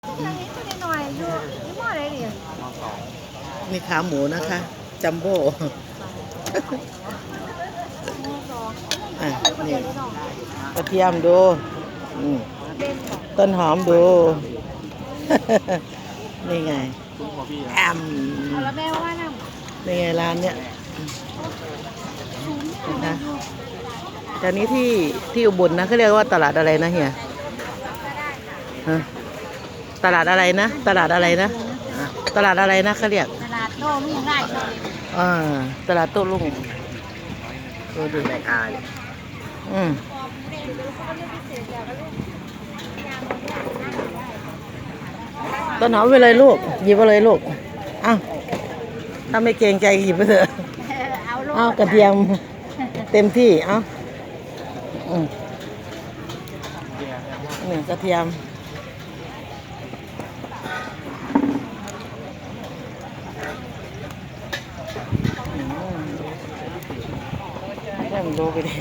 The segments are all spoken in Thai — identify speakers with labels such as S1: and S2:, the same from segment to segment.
S1: หน่อยอยู่ยี่ห้ออะไรดิ
S2: มีขาหมูนะคะ จัมโบ้อ่ะนี่กระเทียมดูต้นหอมดู นี่ไงแอม
S1: แล้วแม่ว่านั่ง
S2: นี่ไงร้านเนี้ยนะตอนนี้ที่อุบลนะเขาเรียกว่าตลาดอะไรนะเฮียฮะตลาดอะไรนะตลาดอะไรนะตลาดอะไรนะเขาเรียก
S1: ตลาดโต้รุ่งได้เลย
S2: อ่าตลาดโต้รุ่งดูดิ
S3: แม่ค้าเนี่ย
S2: อืมต้นหอมไปเลยลูกหยิบไปเลยลูกอ้าวถ้าไม่เกรงใจหยิบไปเถอะ
S1: เอาลูก
S2: เอากระเทียมเต็มที่เอาอืมนี่กระเทียมให้มันดูไปดิ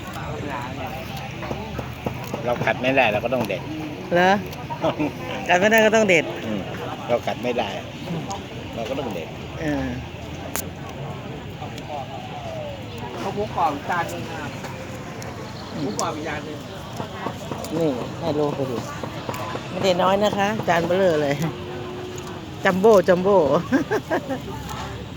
S3: เราขัดไม่ได้เราก็ต้องเด็ด
S2: เหรอกัดไม่ได้ก็ต้องเด็ด
S3: เราขัดไม่ได้ เราก็ต้องเด็ด
S2: เออ
S4: เขาหมูกรอบจานนึงครับหมูกรอบอีกจานนึง
S2: นี่ให้โลไปดูไม่ได้น้อยนะคะ จานเบลอเลย จัมโบ้จัมโบ้